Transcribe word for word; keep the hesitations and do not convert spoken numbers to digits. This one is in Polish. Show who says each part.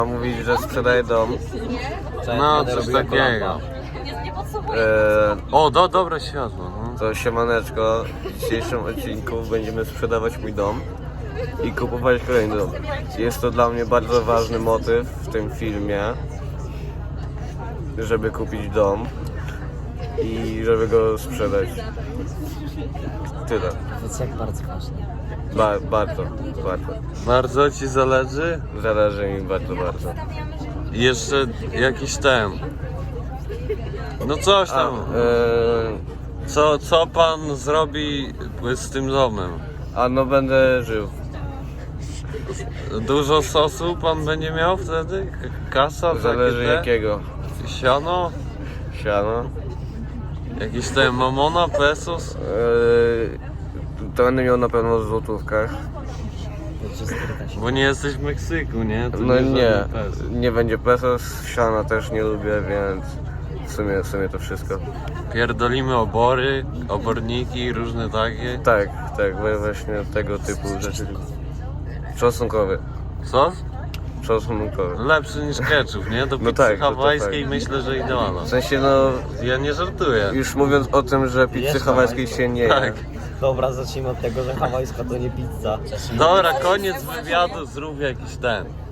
Speaker 1: Ma mówić, że sprzedaje dom.
Speaker 2: No, coś takiego.
Speaker 1: E,
Speaker 2: O, do, dobre światło. No.
Speaker 1: to siemaneczko. W dzisiejszym odcinku będziemy sprzedawać mój dom i kupować kolejny dom. Jest to dla mnie bardzo ważny motyw w tym filmie, żeby kupić dom i żeby go sprzedać. Tyle.
Speaker 3: To jest jak bardzo ważne.
Speaker 1: Ba bardzo, bardzo.
Speaker 2: Bardzo ci zależy?
Speaker 1: Zależy mi bardzo, bardzo.
Speaker 2: I jeszcze jakiś ten. No coś
Speaker 1: A,
Speaker 2: tam.
Speaker 1: e,
Speaker 2: Co, co pan zrobi z tym domem?
Speaker 1: a no będę żył.
Speaker 2: Dużo sosu pan będzie miał wtedy? K- Kasa?
Speaker 1: Zależy
Speaker 2: takie te?
Speaker 1: jakiego.
Speaker 2: Siano?
Speaker 1: Siano.
Speaker 2: Jakiś ten mamona, pesos?
Speaker 1: Eee, to będę miał na pewno w złotówkach.
Speaker 3: To się skryta się.
Speaker 2: Bo nie jesteś w Meksyku, nie? To
Speaker 1: No
Speaker 2: żaden
Speaker 1: nie,
Speaker 2: pesos.
Speaker 1: nie będzie pesos, siana też nie lubię, więc w sumie, w sumie to wszystko.
Speaker 2: Pierdolimy obory, oborniki, różne takie.
Speaker 1: Tak, tak, we- właśnie tego typu rzeczy. Czosnkowy.
Speaker 2: Sos?
Speaker 1: Czosnkowy.
Speaker 2: Lepszy niż ketchup, nie? Do pizzy
Speaker 1: tak, to- to
Speaker 2: hawajskiej
Speaker 1: tak.
Speaker 2: myślę, że idealna.
Speaker 1: W sensie no,
Speaker 2: Ja nie żartuję.
Speaker 1: już mówiąc o tym, że pizzy
Speaker 3: Jest
Speaker 1: hawajskiej się nie je.
Speaker 2: Tak.
Speaker 3: Dobra, zacznijmy od tego, że hawajska to nie pizza.
Speaker 2: Dobra, koniec wywiadu, zrób jakiś ten.